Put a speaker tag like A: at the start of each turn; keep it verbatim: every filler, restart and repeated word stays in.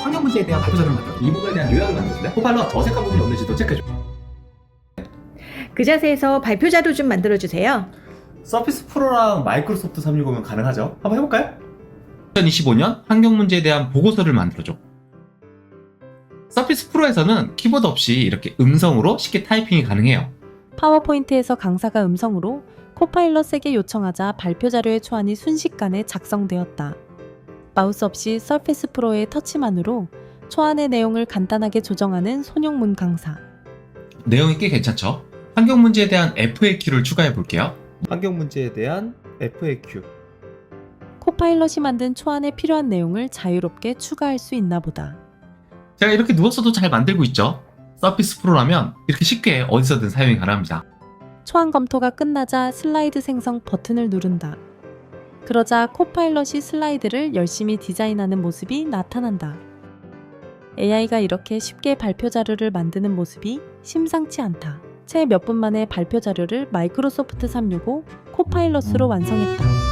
A: 환경 문제에 대한 발표 자료를 만들어. 이 부분에 대한 요약을 만들었는데 코파일럿 어색한 부분이 없는지도 체크해줘.
B: 그 자세에서 발표 자료 좀 만들어주세요.
C: 서피스 프로랑 마이크로소프트 삼백육십오면 가능하죠? 한번 해볼까요?
D: 이천이십오 년 환경 문제에 대한 보고서를 만들어줘. 서피스 프로에서는 키보드 없이 이렇게 음성으로 쉽게 타이핑이 가능해요.
E: 파워포인트에서 강사가 음성으로 코파일럿에게 요청하자 발표 자료의 초안이 순식간에 작성되었다. 마우스 없이 서피스 프로의 터치만으로 초안의 내용을 간단하게 조정하는 손용문 강사.
D: 내용이 꽤 괜찮죠? 환경 문제에 대한 에프에이큐를 추가해 볼게요.
C: 환경 문제에 대한 에프에이큐.
E: 코파일럿이 만든 초안에 필요한 내용을 자유롭게 추가할 수 있나 보다.
D: 제가 이렇게 누웠어도 잘 만들고 있죠? 서피스 프로라면 이렇게 쉽게 어디서든 사용이 가능합니다.
E: 초안 검토가 끝나자 슬라이드 생성 버튼을 누른다. 그러자 코파일럿이 슬라이드를 열심히 디자인하는 모습이 나타난다. 에이아이가 이렇게 쉽게 발표 자료를 만드는 모습이 심상치 않다. 채 몇 분 만에 발표 자료를 마이크로소프트 삼백육십오 코파일럿으로 완성했다.